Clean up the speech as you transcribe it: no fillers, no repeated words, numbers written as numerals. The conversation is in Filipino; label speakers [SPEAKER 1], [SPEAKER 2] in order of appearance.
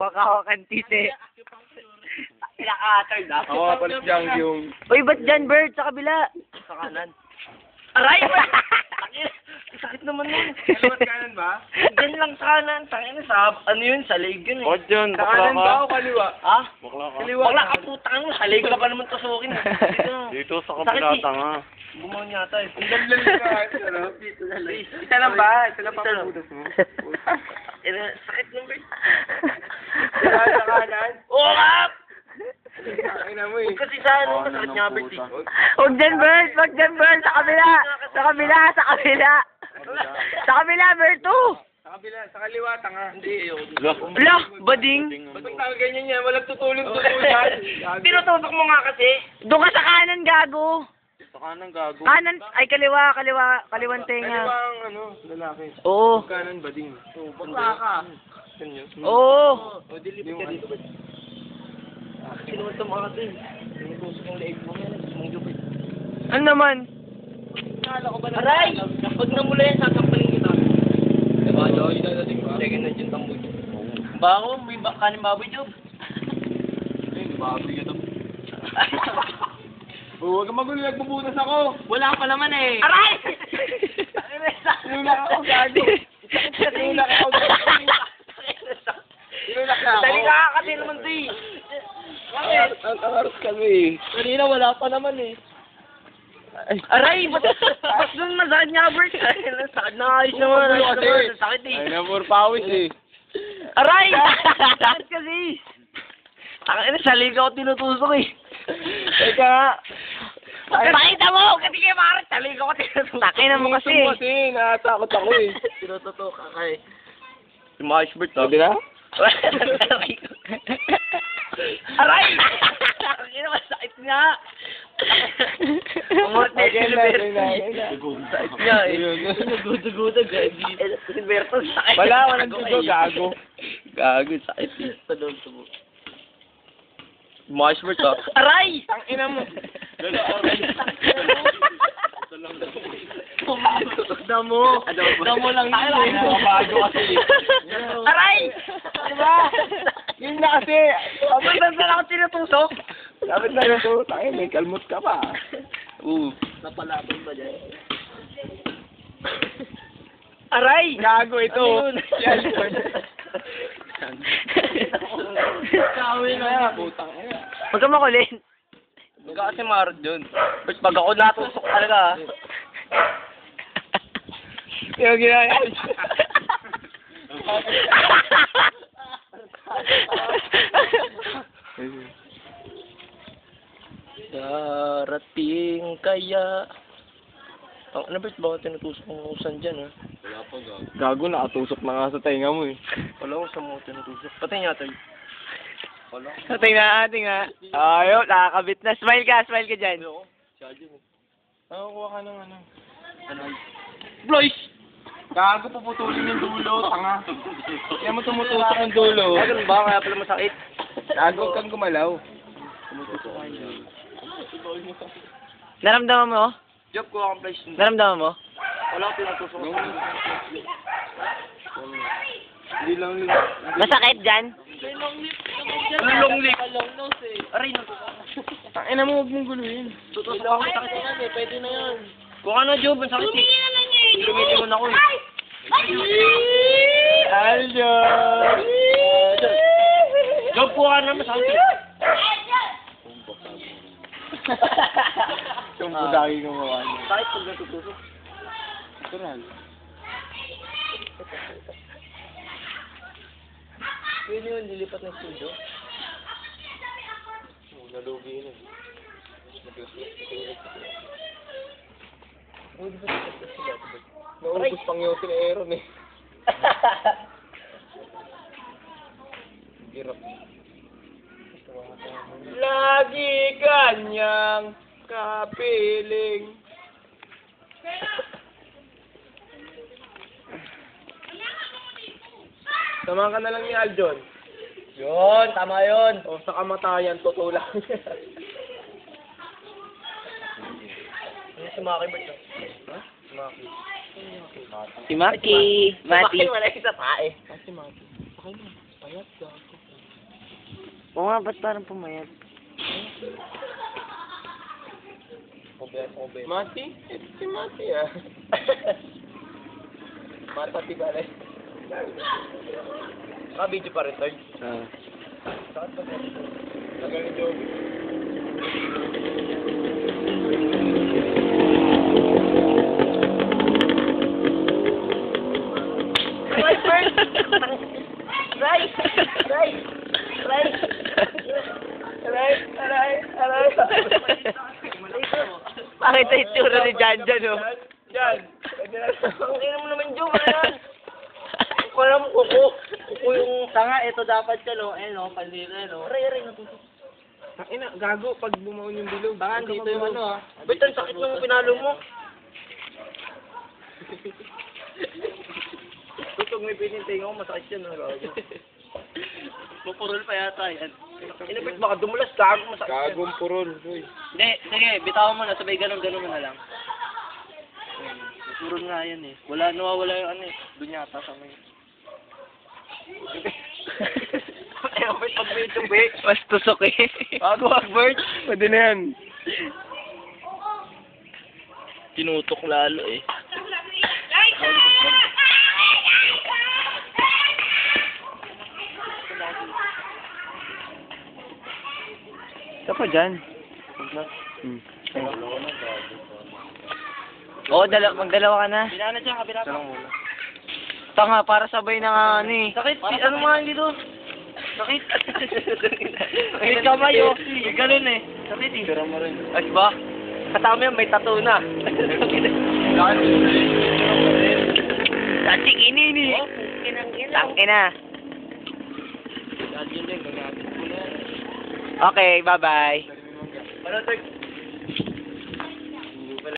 [SPEAKER 1] Pagkakakantite.
[SPEAKER 2] Pinaka-third ah.
[SPEAKER 3] Ako nga pala si Jang yung...
[SPEAKER 1] Uy, ba't dyan, Bert? Sa kabila.
[SPEAKER 2] Sa kanan. Aray! Sakit naman nun.
[SPEAKER 3] Kaliwat kanan ba?
[SPEAKER 2] Diyan lang sa kanan. Tangina sa ano yun? Sa leg yun eh.
[SPEAKER 3] Bakit yun? Bakla
[SPEAKER 2] Kanan
[SPEAKER 3] ka?
[SPEAKER 2] ba o kaliwa? Ha?
[SPEAKER 3] Bakla ka?
[SPEAKER 2] Kaliwa. Bakla ka putang mo. Sa leg ka pa naman tusukin.
[SPEAKER 3] Dito sa
[SPEAKER 2] Sakit
[SPEAKER 3] kabila
[SPEAKER 2] eh.
[SPEAKER 3] tanga.
[SPEAKER 2] Gumawa yata eh.
[SPEAKER 3] Dito na lang. Isa lang ba? Isa lang pa budas mo?
[SPEAKER 2] Sakit nun ba?
[SPEAKER 3] Sa kanan?
[SPEAKER 2] Oo nga!
[SPEAKER 3] Ay na mo eh.
[SPEAKER 2] Huwag kasi sa ano, masakit niya Bert eh.
[SPEAKER 1] Huwag dyan, Bert. Huwag dyan, Bert. Sa kabila. Sa kabila. Sa kabila. Sa kabila, Bert. Oh.
[SPEAKER 3] Sa kabila, sa kaliwa tanga.
[SPEAKER 2] Hindi, ayoko.
[SPEAKER 1] Blah, bading.
[SPEAKER 3] Ba't tanga ganyan yan? Walang tutulong-tutulan.
[SPEAKER 2] Tinutusok mo nga kasi.
[SPEAKER 1] Doon ka sa kanan, gago.
[SPEAKER 3] Sa kanan gago.
[SPEAKER 1] Kanan, ay kaliwa, kaliwang tenga.
[SPEAKER 3] Kaliwa ang ano, lalaki.
[SPEAKER 1] Oo.
[SPEAKER 3] Kanan bading.
[SPEAKER 2] Bakla ka.
[SPEAKER 3] Ganyan.
[SPEAKER 1] Oo.
[SPEAKER 2] O, dilipid ka dito ba? Sinuwento mo kasi. Tinutusok yung leeg mo yan. Gusto mong lupit.
[SPEAKER 1] Ano naman?
[SPEAKER 2] Kala ko ba na? Aray! Pag namula yan, sasampalin kita. Diba, Joy? Second na dyan tamboy. Bako, may kanin baboy, Job.
[SPEAKER 3] Ay, baboy ka to. Huwag ka magulo, nagbubutas ako.
[SPEAKER 2] Wala pa naman eh. Aray!
[SPEAKER 3] Tinulak ako gago. Tinulak ako gago. Tinulak na ako.
[SPEAKER 2] Dali ka kasi naman to eh.
[SPEAKER 3] Ang tangaros kami eh.
[SPEAKER 2] Kanina wala pa naman eh. Aray! Ba't doon masakit niya, Bert? Sakit na ayos naman. Ayos naman. Sakit eh.
[SPEAKER 3] Ay na, puro pawis eh.
[SPEAKER 2] Aray! Sakit kasi. Takina, sa liga ako tinutusok eh.
[SPEAKER 3] Teka nga.
[SPEAKER 2] Pakita mo! Kasi kayo maaaring sa liga ako tinutusok.
[SPEAKER 1] Takina mo kasi.
[SPEAKER 3] Kasi, nakatakot ako eh.
[SPEAKER 2] Tinututok ka kay. Si Marsh Bert
[SPEAKER 3] Sabi na?
[SPEAKER 2] Aray! Takina, masakit nga. Umot na
[SPEAKER 3] Okay
[SPEAKER 2] si
[SPEAKER 3] na,
[SPEAKER 2] Berto.
[SPEAKER 3] okay na, okay na.
[SPEAKER 2] Sakit niya eh. Naguduguda, gabi. Si Berto, sakit.
[SPEAKER 3] Walang dugo, gago.
[SPEAKER 2] Gago, sakit eh. Talon to mo. Marshbert ah. Aray!
[SPEAKER 3] Ang ina mo.
[SPEAKER 2] Damo. Damo lang yun eh.
[SPEAKER 3] Bago kasi.
[SPEAKER 2] Aray!
[SPEAKER 3] Diba? Yun na kasi.
[SPEAKER 2] Ba't ako tinutusok?
[SPEAKER 3] Dapat na rin ito. Tayo, may kalmot ka pa.
[SPEAKER 2] Napalaban ba dyan? Aray!
[SPEAKER 3] Gago ito.
[SPEAKER 2] Ano yun?
[SPEAKER 3] Yan.
[SPEAKER 2] Kawin na yan.
[SPEAKER 3] Putang ina.
[SPEAKER 1] Huwag ka makulin.
[SPEAKER 2] Huwag ka kasi marod yun. But pag ako natusok talaga ah.
[SPEAKER 3] Yung ginaya.
[SPEAKER 2] Darating kaya... Ang ano ba tinutusok ng usan dyan ah?
[SPEAKER 3] Wala pa gago. Gago, nakatusok na nga sa tainga mo eh.
[SPEAKER 2] Wala ko sa mga tinutusok. Patay niya tayo. Wala.
[SPEAKER 1] Tingnan. Ayun, nakakabit na. Smile ka dyan.
[SPEAKER 3] Nakakuha ka ng ano.
[SPEAKER 2] Ano? Blois!
[SPEAKER 3] Gago, puputulin yung dulo, tanga. Kaya mo tumutusok yung dulo.
[SPEAKER 2] Ah, ganun ba? Kaya pala masakit.
[SPEAKER 3] Gago kang gumalaw.
[SPEAKER 1] Naramdaman mo?
[SPEAKER 2] Job ko akong place.
[SPEAKER 1] Naramdaman mo?
[SPEAKER 2] Wala ko tinutusok.
[SPEAKER 3] Hindi lang nila.
[SPEAKER 1] Masakit dyan?
[SPEAKER 2] Long lip. Long nose eh. Aray, natusok.
[SPEAKER 3] Tangina mo, huwag mong guluhin.
[SPEAKER 2] Tutusok ako. Sakit yan eh. Pwede na yan. Kung ano, Job, ang sakit eh. Lumilingon ako eh.
[SPEAKER 3] Aljo!
[SPEAKER 2] Job ko ka na masakit eh.
[SPEAKER 3] Yung budagi gumawa niya.
[SPEAKER 2] Sakit pag natutusok.
[SPEAKER 3] Natural.
[SPEAKER 2] Pwede yun, lilipat ng studio.
[SPEAKER 3] Nalugi na. Naubos pang yung Aaron eh. Hirap. Lagi kanyang kapiling. Samahan ka na lang ni Aljon.
[SPEAKER 2] Yun, tama yun.
[SPEAKER 3] O sa kamatayan, tutulak.
[SPEAKER 2] Ano si Maki ba ito?
[SPEAKER 3] Ha? Maki.
[SPEAKER 1] Si Maki. Mati.
[SPEAKER 2] Wala isa pa eh.
[SPEAKER 3] Si Maki. Sakay mo. Payat ka.
[SPEAKER 1] Oo nga, ba't parang pumayat?
[SPEAKER 3] Mati? Ito si Mati ah. Mati ba rin?
[SPEAKER 2] Naka-video pa rin, Tord.
[SPEAKER 1] Ah.
[SPEAKER 3] Nagaling joke.
[SPEAKER 2] Right, first! Right! Right! Right! Aray!
[SPEAKER 1] Bakit na itsura ni Jan Jan, oh?
[SPEAKER 3] Yan!
[SPEAKER 2] Ang ina mo naman, Joe, ano yan? Wala mo kuko. Kuko yung tanga, ito dapat ka, no? Eh, no? Pandira, no? Aray, natutok.
[SPEAKER 3] Ang ina, gago pag bumaon yung bilog.
[SPEAKER 2] Baka dito yung ano, ah. Ba't ang sakit nung pinalo mo? Tutog may pinintay ko, masakit yan, no? Pupurol pa yata yan. Inabit baka dumulas, gago, masakit yan.
[SPEAKER 3] Gagong purol. Uy.
[SPEAKER 2] Hindi, sige, bitawan mo na, sabay ganun mo na lang. Purol nga yan eh. Nawawala yung ano eh. Doon yata sa may... Inabit pag may tubi.
[SPEAKER 1] Mas tusok eh.
[SPEAKER 2] Bago, Hagbert.
[SPEAKER 3] Pwede na yan.
[SPEAKER 2] Tinutok lalo eh.
[SPEAKER 1] Ito pa dyan. Oo, magdalawa ka na.
[SPEAKER 2] Binana dyan, kabila pa.
[SPEAKER 1] Tanga, para sabay na nga ano eh.
[SPEAKER 2] Sakit, ano nga hindi doon? Sakit. May kamay oh. May ganun eh. Sakit eh.
[SPEAKER 3] Tira mo rin.
[SPEAKER 2] Ay ba? Kasama yan, may tattoo na.
[SPEAKER 1] Dating inini. Tangin na. Okay, bye-bye.
[SPEAKER 2] Ano, Tag?